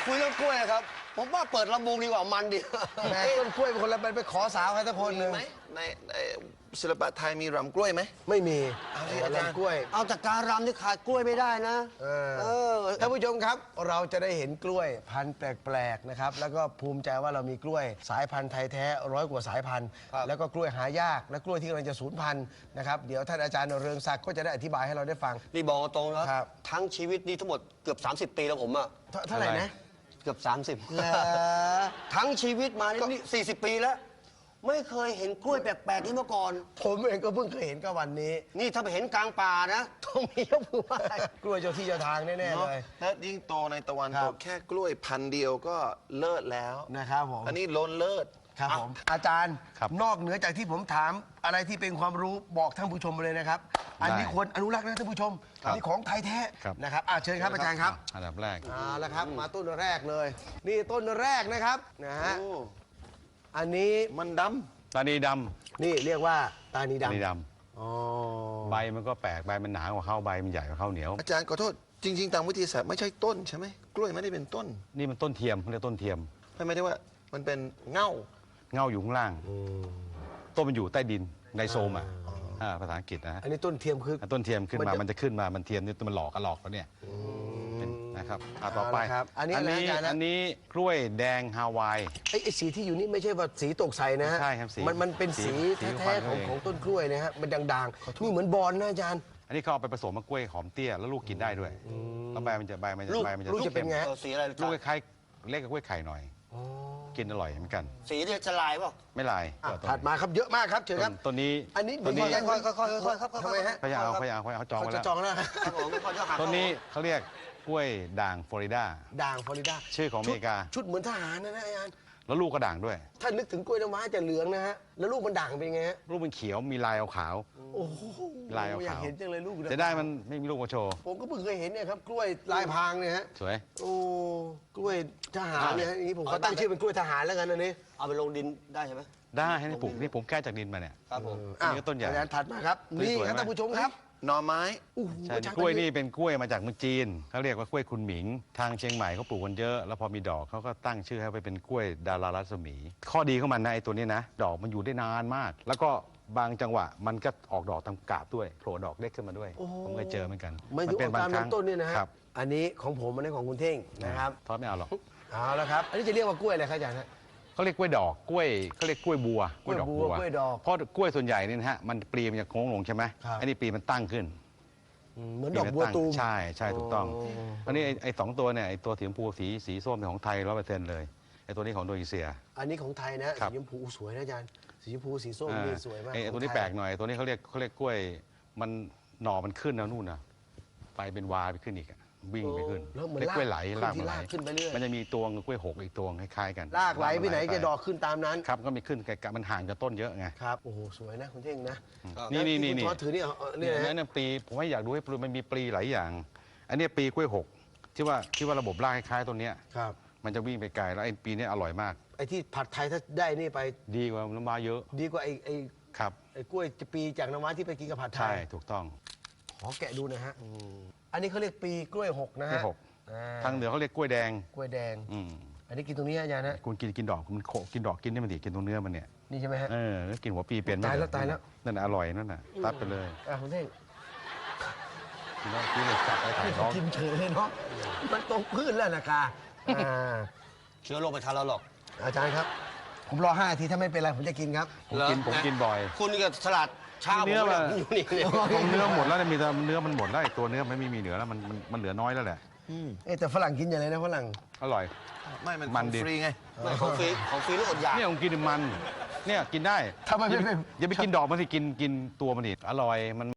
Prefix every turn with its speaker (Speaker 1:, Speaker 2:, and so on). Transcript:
Speaker 1: คุยเรื่องกล้วยครับผมว่าเปิดลำวงดีกว่ามันดี
Speaker 2: แม่ต้นกล้วยเป็นคนละไปขอสาวใครสักคนหนึ่ง
Speaker 3: ไหมในศิลปะไทยมีรำกล้วยไหม
Speaker 2: ไม่มี
Speaker 3: เอาสิอาจารย์
Speaker 2: กล้วย
Speaker 1: เอาจากการรำที่ขาดกล้วยไม่ได้นะ
Speaker 2: ท่านผู้ชมครับเราจะได้เห็นกล้วยพันธุ์แปลกๆนะครับแล้วก็ภูมิใจว่าเรามีกล้วยสายพันธุ์ไทยแท้100 กว่าสายพันธุ์ แล้วก็กล้วยหายากและกล้วยที่กำลังจะสูญพันธุ์นะครับเดี๋ยวท่านอาจารย์เรืองศักดิ์ก็จะได้อธิบายให้เราได้ฟัง
Speaker 1: นี่บอกตรงนะครับ ทั้งชีวิตนี้ทั้งหมดเกือบ30 ปีแล้วผมอะ
Speaker 2: เท่าไหร่นะ
Speaker 1: เกือบ30ทั้งชีวิตมานี่40 ปีแล้ว ไม่เคยเห็นกล้วยแปลกๆนี้มาก่อน
Speaker 2: ผมเองก็เพิ่งเคยเห็นก็วันนี้
Speaker 1: นี่ถ้าไปเห็นกลางป่านะต้องมียกมือไหว้
Speaker 2: กล้วยเจ้าที่เจ้าทางแน่ๆเลย
Speaker 3: แล้วยิ่งโตในตะวัน
Speaker 2: ครั
Speaker 3: ต
Speaker 2: บ
Speaker 3: กแค่กล้วยพันธุ์เดียวก็เลิศแล้ว
Speaker 2: นะครับผม
Speaker 3: อันนี้ล้นเลิศ
Speaker 2: ครับผมอาจารย์
Speaker 4: ครับ
Speaker 2: นอกเหนือจากที่ผมถามอะไรที่เป็นความรู้บอกท่านผู้ชมไปเลยนะครับ อันนี้ควรอนุรักษ์นะท่านผู้ชมอันนี้ของไทยแท้
Speaker 4: ครับ
Speaker 2: นะครับเชิญครับอาจารย์ครับ
Speaker 4: อันดับแรก
Speaker 2: เอาละครับมาต้นแรกเลย นี่ต้นแรกนะครับนะฮะ
Speaker 3: โอ้
Speaker 2: อันนี้
Speaker 3: มันด
Speaker 4: ตานีด
Speaker 2: นี่เรียกว่าตานี
Speaker 4: ำตานี
Speaker 2: ดำ
Speaker 4: ด
Speaker 2: อ๋อ
Speaker 4: ำใบมันก็แปลกใบมันหนากว่าข้าวใบมันใหญ่กว่าข้าวเหนียว
Speaker 3: ำอาจารย์ขอโทษจริง ๆ ตามวิทยาศาสตร์ไม่ใช่ต้นใช่ไหมกล้วยไม่ได้เป็นต้น
Speaker 4: นี่มันต้นเทียมเขาเรียกต้นเทียม
Speaker 3: ไม่ได้ว่ามันเป็นเง่า
Speaker 4: เง่าอยู่ข้างล่าง
Speaker 2: อืม
Speaker 4: ต้นมันอยู่ใต้ดินในโซมภาษาอังกฤษนะฮะ
Speaker 2: อันนี้ต้นเทียมคือ
Speaker 4: ต้นเทียมขึ้นมา
Speaker 2: มันจะ
Speaker 4: มันจะขึ้นมามันเทียมนี่มันหลอกแล้วเนี่ยเป็นนะครับต่อไป
Speaker 2: เอาละครับอันนี้อะไรอาจารย์นะ
Speaker 4: อันนี้กล้วยแดงฮาวาย
Speaker 2: ไอ้สีที่อยู่นี่ไม่ใช่ว่าสีตกใสนะฮะ
Speaker 4: ใช่ครับสี
Speaker 2: มันเป็น
Speaker 4: สี
Speaker 2: สี
Speaker 4: สี
Speaker 2: แท้
Speaker 4: ของ
Speaker 2: ๆ
Speaker 4: เขาเอง
Speaker 2: ของต้นกล้วยนะฮะมันด่างๆนี่เหมือนบอลนะอาจารย์
Speaker 4: อันนี้เขาเอาไปผสมกับกล้วยหอมเตี้ยแล้วลูกกินได้ด้วยแล้วใบมันจะ
Speaker 1: ลูก
Speaker 4: ใบมันจะ
Speaker 2: ลูกจะเป็นไง
Speaker 1: สีอะไร
Speaker 4: ลูกคล้ายๆเล็กกับกล้วยไข่หน่อย กินอร่อยเหมือนกัน
Speaker 1: สีเนี่ยจะลายเปล่า
Speaker 4: ไม่ลาย
Speaker 2: ถัดมาครับเยอะมากครับเชิญครับ
Speaker 4: ต้นนี้
Speaker 2: อันนี้
Speaker 4: ต้นนี้
Speaker 1: ค่อยๆครับ
Speaker 2: ทำไมฮะ
Speaker 4: เขาเอาจอง
Speaker 2: เขา
Speaker 4: ไว้
Speaker 2: จะ
Speaker 4: แล้ว
Speaker 2: จองแล้วฮะ
Speaker 1: ครับผมค่อยๆหัก
Speaker 4: ต้นนี้เขาเรียกกล้วยด่างฟลอริดา
Speaker 2: ด่างฟลอริดา
Speaker 4: ชื่อของอเมริกา
Speaker 2: ชุดเหมือนทหารนะอาจารย์
Speaker 4: แล้วลูกก็ด่างด้วย
Speaker 2: ถ้านึกถึงกล้วยน้ำว้าจะเหลืองนะฮะแล้วลูกมันด่างเป็นไงฮะ
Speaker 4: ลูกมันเขียวมีลายขาว
Speaker 2: โอ้โห
Speaker 4: ลายขาว
Speaker 2: อยากเห็นจังเลยลูก
Speaker 4: จะได้มันไม่มีลูกมาโชว์
Speaker 2: ผมก็เพิ่งเคยเห็นเนี่ยครับกล้วยลายพรางเนี่ยฮะ
Speaker 4: สวย
Speaker 2: โอ้กล้วยทหารเนี่ยฮะอย่างนี้ผมขอตั้งชื่อเป็นกล้วยทหารแล้วกันอันนี้
Speaker 1: เอาไปลงดินได้ใช่ไหม
Speaker 4: ได้ให้ปลูกนี่ผมแก้จากดินมาเนี่ย
Speaker 1: ครับผม
Speaker 4: อันนี้ก็ต้นใหญ่
Speaker 2: อาจารย์ถัดมาครับ
Speaker 4: สวยๆ
Speaker 2: นี่ครับ
Speaker 4: ไหม
Speaker 2: ท่านผู้ชมครับ
Speaker 3: หน่อไม้
Speaker 2: โอ้โห
Speaker 4: ใช่
Speaker 2: อาจาร
Speaker 4: กล้วยนี่เป็นกล้วยมาจากเมืองจีนเขาเรียกว่ากล้วยคุณหมิง ทางเชียงใหม่เขาปลูกกันเยอะ แล้วพอมีดอกเขาก็ตั้งชื่อให้ไปเป็นกล้วยดารารัศมี ข้อดีของมันนะไอ้ตัวนี้นะ ดอกมันอยู่ได้นานมาก แล้วก็บางจังหวะมันก็ออกดอกทำกาบด้วยโผล่ดอกเล็กขึ้นมาด้วย ผมเคยเจอเหมือนกัน
Speaker 2: ไม่ถึง
Speaker 4: เป็
Speaker 2: ออกตามลำต้นเนี่ยนะฮะ
Speaker 4: ครับ
Speaker 2: อันนี้ของผมอันนี้ของคุณเท่งนะครับ
Speaker 4: ทอดไม่เอาหรอก
Speaker 2: เอาละครับ อันนี้จะเรียกว่ากล้วยอะไรครับอาจารย์ฮะ
Speaker 4: เขาเรียกกล้วยดอกกล้วยเขาเรียกกล้วยบัว
Speaker 2: กล้วยบัวกล้วยดอก
Speaker 4: เพราะกล้วยส่วนใหญ่เนี่ยนะฮะมันปลีมันจะโค้งลงใช่ไหม
Speaker 2: ครับ
Speaker 4: อันนี้ปลีมันตั้งขึ้น
Speaker 2: เหมือนดอกบัวตูม
Speaker 4: ใช่ใช่ถูกต้องอันนี้ไอ้สองตัวเนี่ยไอ้ตัวสีชมพูสีส้มเป็นของไทย100%เลยไอ้ตัวนี้ของอินโดนีเซีย
Speaker 2: อันนี้ของไทยนะ
Speaker 4: ครั
Speaker 2: สี
Speaker 4: บ
Speaker 2: ชมพูสวยนะอาจารย์สีชมพูสีส้มนี่สวยมาก
Speaker 4: ไอ้ตัวนี้
Speaker 2: ของไทย
Speaker 4: แปลกหน่อยตัวนี้เขาเรียกกล้วยมันหน่อมันขึ้นนะนู่นนะไปเป็นวาไปขึ้นอีกอะวิ่งไปขึ้น
Speaker 2: แล้วเหมือน
Speaker 4: เรียกกล้วยไหล
Speaker 2: ลาก
Speaker 4: ลาก
Speaker 2: ขึ้นที่
Speaker 4: ไหล
Speaker 2: ลากขึ้นไปเรื่อย
Speaker 4: มันจะมีตัวกล้วยหกอีกตัวคล้ายๆกัน
Speaker 2: ลากไหลไปไหนจะดอกขึ้นตามนั้น
Speaker 4: ครับก็มีขึ้นไกลๆมันห่างจากต้นเยอะไง
Speaker 2: ครับโอ้โหสวยนะคุณเท่งนะ
Speaker 4: นี่
Speaker 2: แล้ว
Speaker 4: นี่
Speaker 2: ที่
Speaker 4: นี่
Speaker 2: คุณทอดถือนี่เอานี่
Speaker 4: เนี่ย
Speaker 2: นะฮะ
Speaker 4: เนี่ยปลีผมว่าอยากดูให้ปลีมันมีปลีหลายอย่าง อันเนี้ยปลีกล้วยหกที่ว่าระบบรากคล้ายๆต้นเนี้ย
Speaker 2: ครับ
Speaker 4: มันจะวิ่งไปไกลแล้วไอ้ปีเนี้ยอร่อยมาก
Speaker 2: ไอ้ที่ผัดไทยถ้าได้นี่ไป
Speaker 4: ดีกว่าน้ำว้าเยอะ
Speaker 2: ดีกว่าไอ้
Speaker 4: ครับ
Speaker 2: กล้วยปีจากน้ำว้าที่ไปกินกับผัดไท
Speaker 4: ใช่
Speaker 2: ย
Speaker 4: ถูกต้อง
Speaker 2: ขอแกะดูนะฮะอันนี้เขาเรียกปีกล้วยหกนะ
Speaker 4: กล้
Speaker 2: ฮะ
Speaker 4: วยหก
Speaker 2: อ่า
Speaker 4: ทางเหนือเขาเรียกกล้วยแดง
Speaker 2: กล้วยแดง
Speaker 4: อืม
Speaker 2: อันนี้กินตรงนี้อาจารย์นะ
Speaker 4: คุณกินดอกมันโขกินดอกกินนี่มันดีกินตรงเนื้อมันเนี่ย
Speaker 2: นี่ใช่ไหมฮะ
Speaker 4: กินหัวปีเป็นไหม
Speaker 2: ตายแล้วตายแล้ว
Speaker 4: นั่นน่ะอร่อยนั่นน่ะตัดไปเลย
Speaker 2: คุณเท่ง
Speaker 4: กินแล้วกินเลยจับไปถ่ายท้อง
Speaker 2: กินเฉยเลยเนาะมันตรงพื้นแล้วนะคะอ่า
Speaker 1: เชื้อโรคไปทันเราหรอก
Speaker 2: อาจารย์ครับ ผมรอ5 นาทีถ้าไม่เป็นไรผมจะกินครับ
Speaker 4: ผมกินบ่อย
Speaker 1: คุณนี่ก็สลัดชา
Speaker 4: เนื้อ
Speaker 1: ผม
Speaker 4: มา
Speaker 1: เนี่ยอยู่นี่เลย
Speaker 4: ของเนื้อหมดแล้วเนี่ยมีแต่เนื้อมันหมดแล้วไอ้ตัวเนื้อมันไม่มีเหลือแล้วมันเหลือน้อยแล้วแหละ
Speaker 2: แต่ฝรั่งกินอย่างไรนะฝรั่ง
Speaker 4: อร่อย
Speaker 3: ไม่มัน
Speaker 4: มันดิ
Speaker 3: ฟรีไง
Speaker 1: ไม่ของฟรีนี่อดอยาก
Speaker 4: เนี่ยผมกินมันเนี่ยกินได้
Speaker 2: ทำไมไม่
Speaker 4: อย่าไปกินดอกมันสิกินตัวมันดิอร่อยมัน